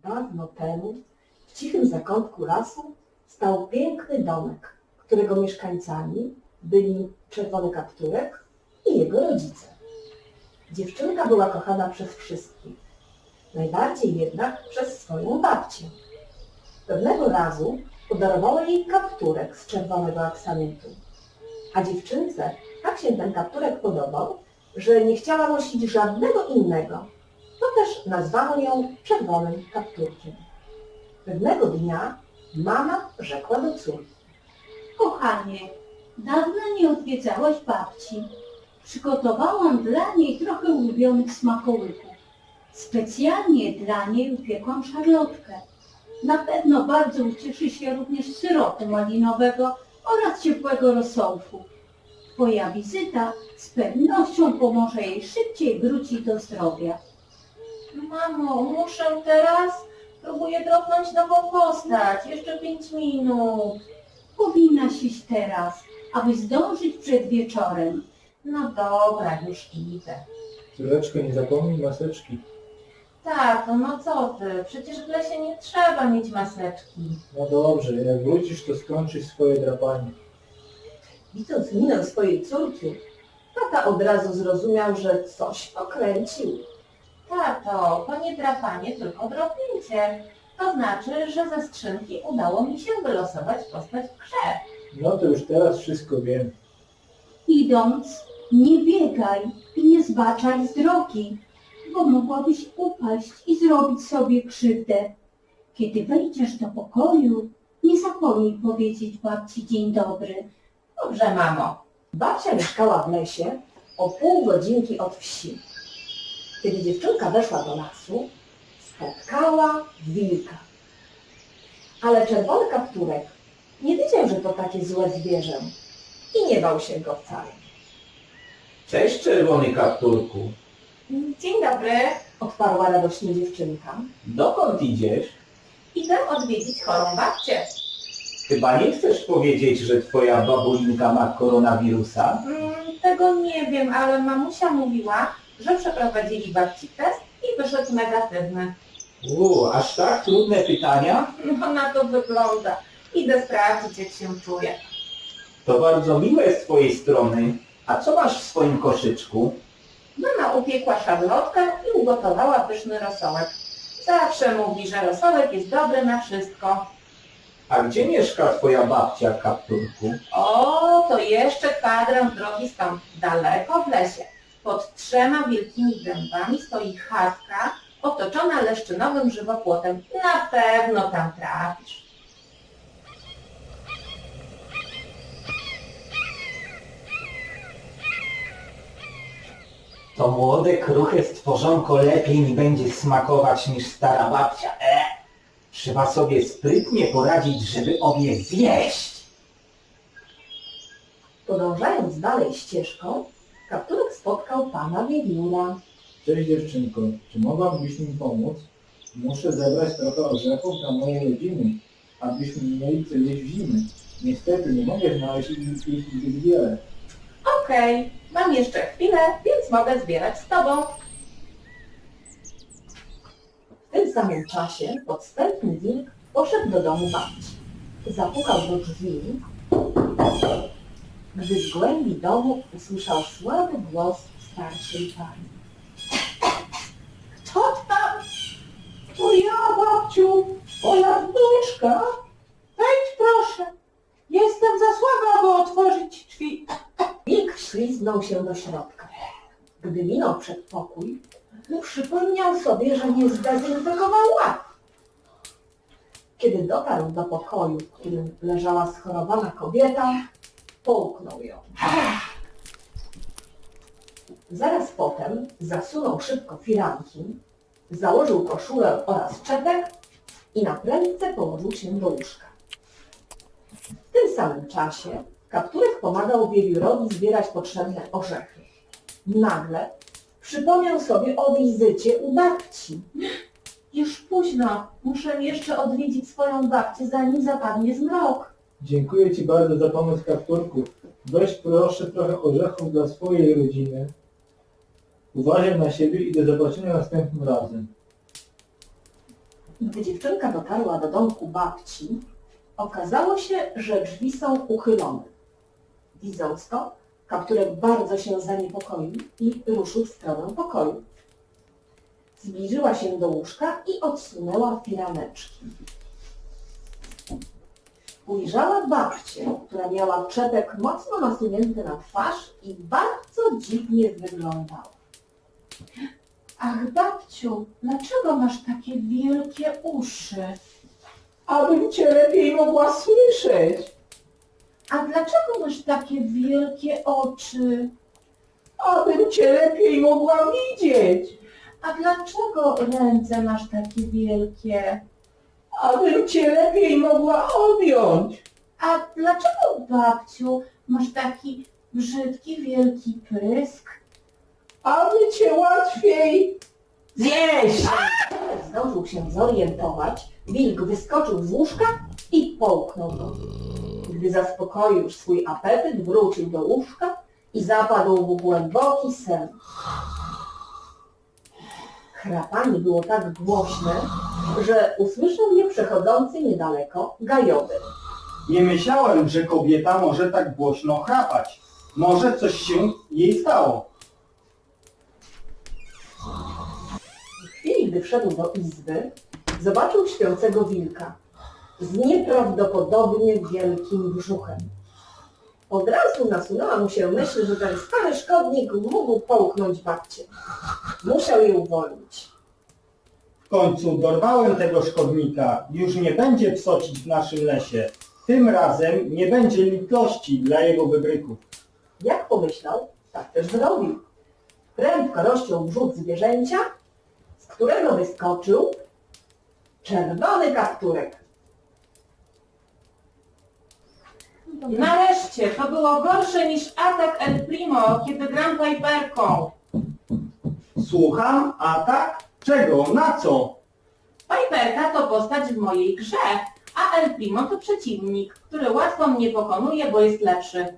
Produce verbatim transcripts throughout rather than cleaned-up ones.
Dawno temu w cichym zakątku lasu stał piękny domek, którego mieszkańcami byli Czerwony Kapturek i jego rodzice. Dziewczynka była kochana przez wszystkich, najbardziej jednak przez swoją babcię. Pewnego razu podarowała jej kapturek z czerwonego aksamitu, a dziewczynce tak się ten kapturek podobał, że nie chciała nosić żadnego innego. To też nazwano ją Czerwonym Kapturkiem. Pewnego dnia mama rzekła do córki: Kochanie, dawno nie odwiedzałaś babci. Przygotowałam dla niej trochę ulubionych smakołyków. Specjalnie dla niej upiekłam szarlotkę. Na pewno bardzo ucieszy się również z syropu malinowego oraz ciepłego rosołku. Twoja wizyta z pewnością pomoże jej szybciej wrócić do zdrowia. Mamo, muszę teraz? Próbuję dropnąć nową postać. Jeszcze pięć minut. Powinnaś iść teraz, aby zdążyć przed wieczorem. No dobra, już idę. Córeczko, nie zapomnij maseczki. Tato, no co ty? Przecież w lesie nie trzeba mieć maseczki. No dobrze, jak wrócisz, to skończysz swoje drapanie. Widząc minę swojej córki, tata od razu zrozumiał, że coś pokręcił. Tato, to nie drapanie, tylko dropnięcie. To znaczy, że ze skrzynki udało mi się wylosować postać w grze. No to już teraz wszystko wiem. Idąc, nie biegaj i nie zbaczaj z drogi, bo mogłabyś upaść i zrobić sobie krzywdę. Kiedy wejdziesz do pokoju, nie zapomnij powiedzieć babci dzień dobry. Dobrze, mamo. Babcia mieszkała w lesie o pół godzinki od wsi. Kiedy dziewczynka weszła do lasu, spotkała wilka. Ale Czerwony Kapturek nie wiedział, że to takie złe zwierzę i nie bał się go wcale. Cześć, Czerwony Kapturku. Dzień dobry. Odparła radośnie dziewczynka. Dokąd idziesz? Idę odwiedzić chorą babcię. Chyba nie chcesz powiedzieć, że twoja babulinka ma koronawirusa? Mm, tego nie wiem, ale mamusia mówiła, że przeprowadzili babci test i wyszedł negatywny. U, aż tak trudne pytania? No na to wygląda. Idę sprawdzić, jak się czuję. To bardzo miłe z twojej strony. A co masz w swoim koszyczku? Mama upiekła szarlotkę i ugotowała pyszny rosołek. Zawsze mówi, że rosołek jest dobry na wszystko. A gdzie mieszka twoja babcia, Kapturku? O, to jeszcze kwadrans drogi stąd, daleko w lesie. Pod trzema wielkimi dębami stoi chatka otoczona leszczynowym żywopłotem. Na pewno tam trafisz. To młode, kruche stworzonko lepiej mi będzie smakować niż stara babcia. E! Trzeba sobie sprytnie poradzić, żeby obie zjeść. Podążając dalej ścieżką, Kapturek spotkał pana wiewióra. Cześć dziewczynko, czy mogłabyś mi pomóc? Muszę zebrać trochę orzechów dla mojej rodziny, abyśmy mieli co jeść w zimę. Niestety nie mogę znaleźć ich ich zbyt wiele. Okej, mam jeszcze chwilę, więc mogę zbierać z tobą. W tym samym czasie podstępny wilk poszedł do domu babci. Zapukał do drzwi, gdy z głębi domu usłyszał słaby głos starszej pani. Kto tam? To ja, babciu, twoja wnuczka. Wejdź proszę. Jestem za słaba, aby otworzyć drzwi. Wilk śliznął się do środka. Gdy minął przedpokój, przypomniał sobie, że nie zdezynfekował ław. Kiedy dotarł do pokoju, w którym leżała schorowana kobieta, połknął ją. Zaraz potem zasunął szybko firanki, założył koszulę oraz czepek i na prędce położył się do łóżka. W tym samym czasie Kapturek pomagał wiewiórowi zbierać potrzebne orzechy. Nagle przypomniał sobie o wizycie u babci. Już późno. Muszę jeszcze odwiedzić swoją babcię, zanim zapadnie zmrok. Dziękuję ci bardzo za pomoc, Kapturku. Weź proszę trochę orzechów dla swojej rodziny. Uważaj na siebie i do zobaczenia następnym razem. Gdy dziewczynka dotarła do domku babci, okazało się, że drzwi są uchylone. Widząc to, Kapturek bardzo się zaniepokoił i ruszył w stronę pokoju. Zbliżyła się do łóżka i odsunęła firaneczki. Ujrzała babcię, która miała czepek mocno nasunięty na twarz i bardzo dziwnie wyglądała. Ach, babciu, dlaczego masz takie wielkie uszy? Abym cię lepiej mogła słyszeć. A dlaczego masz takie wielkie oczy? Abym cię lepiej mogła widzieć. A dlaczego ręce masz takie wielkie? Abym cię lepiej mogła objąć. A dlaczego, babciu, masz taki brzydki, wielki pysk? Aby cię łatwiej zjeść. Zdążył się zorientować, wilk wyskoczył z łóżka i połknął go. Gdy zaspokoił już swój apetyt, wrócił do łóżka i zapadł w głęboki sen. Chrapanie było tak głośne, że usłyszał je przechodzący niedaleko gajowy. Nie myślałem, że kobieta może tak głośno chrapać. Może coś się jej stało. W chwili, gdy wszedł do izby, zobaczył śpiącego wilka z nieprawdopodobnie wielkim brzuchem. Od razu nasunęła mu się myśl, że ten stary szkodnik mógł połknąć babcię. Musiał je uwolnić. W końcu dorwałem tego szkodnika. Już nie będzie psocić w naszym lesie. Tym razem nie będzie litości dla jego wybryków. Jak pomyślał, tak też zrobił. Prędko rozciął brzuch zwierzęcia, z którego wyskoczył czerwony kapturek. Nareszcie, to było gorsze niż atak El Primo, kiedy gram Piperką. Słucham? Atak? Czego? Na co? Piperka to postać w mojej grze, a El Primo to przeciwnik, który łatwo mnie pokonuje, bo jest lepszy.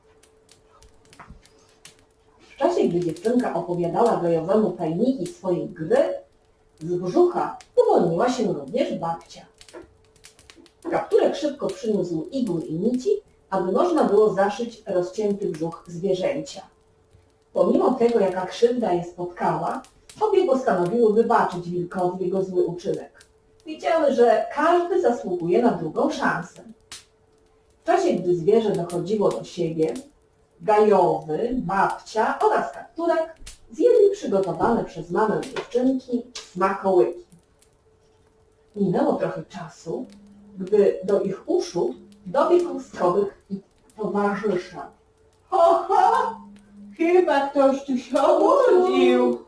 W czasie, gdy dziewczynka opowiadała gajowemu tajniki swojej gry, z brzucha uwolniła się również babcia. Kapturek szybko przyniósł igły i nici, aby można było zaszyć rozcięty brzuch zwierzęcia. Pomimo tego, jaka krzywda je spotkała, obie postanowiły wybaczyć wilkowi jego zły uczynek. Wiedziały, że każdy zasługuje na drugą szansę. W czasie, gdy zwierzę dochodziło do siebie, gajowy, babcia oraz kapturek zjedli przygotowane przez mamę dziewczynki smakołyki. Minęło trochę czasu, gdy do ich uszu dobiegł skowyk i towarzysza. Ho, ho! Chyba ktoś tu się obudził.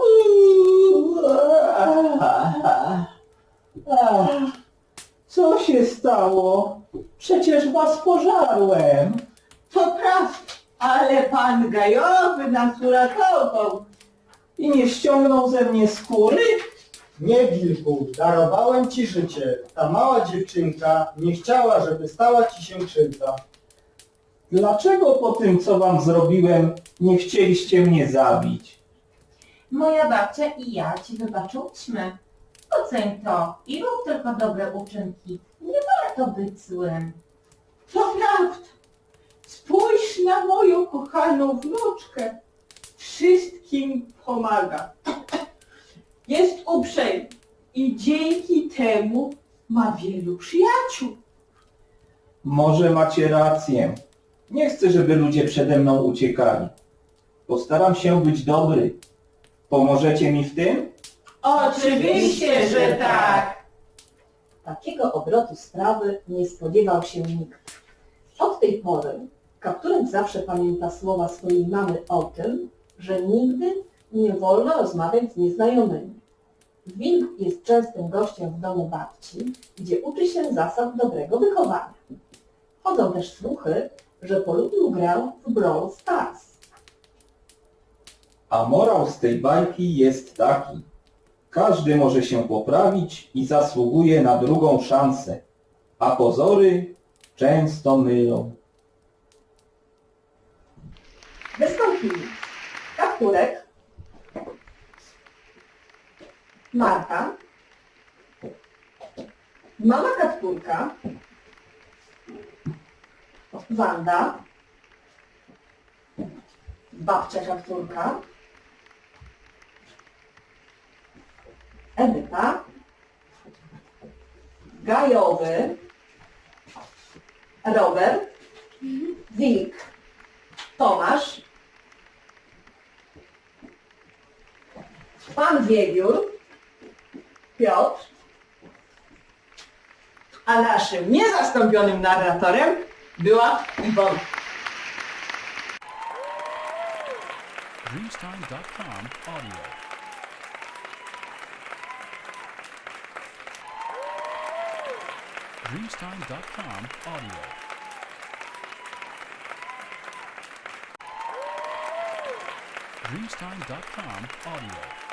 Co się stało? Przecież was pożarłem. To prawda, ale pan gajowy nas uratował. I nie ściągnął ze mnie skóry? Nie, wilku, darowałem ci życie. Ta mała dziewczynka nie chciała, żeby stała ci się krzywda. Dlaczego po tym, co wam zrobiłem, nie chcieliście mnie zabić? Moja babcia i ja ci wybaczyłyśmy. Oceń to i rób tylko dobre uczynki. Nie warto być złym. To prawda. Spójrz na moją kochaną wnuczkę. Wszystkim pomaga. Jest uprzejma i dzięki temu ma wielu przyjaciół. Może macie rację. Nie chcę, żeby ludzie przede mną uciekali. Postaram się być dobry. Pomożecie mi w tym? Oczywiście, że tak. Takiego obrotu sprawy nie spodziewał się nikt. Od tej pory Kapturek zawsze pamięta słowa swojej mamy o tym, że nigdy nie wolno rozmawiać z nieznajomymi. Wilk jest częstym gościem w domu babci, gdzie uczy się zasad dobrego wychowania. Chodzą też słuchy, że polubił grę w Brawl Stars. A morał z tej bajki jest taki. Każdy może się poprawić i zasługuje na drugą szansę, a pozory często mylą. Wystąpili Kapturek, Marta, Mama Katpurka, Wanda, babcia Katpurka, Edyta, Gajowy, Robert, Wilk, Tomasz, Pan Wiewiór, Piotr, A naszym niezastąpionym narratorem była Iwona. Dreamstime dot com audio. Dreamstime dot com audio. Dreamstime dot com audio.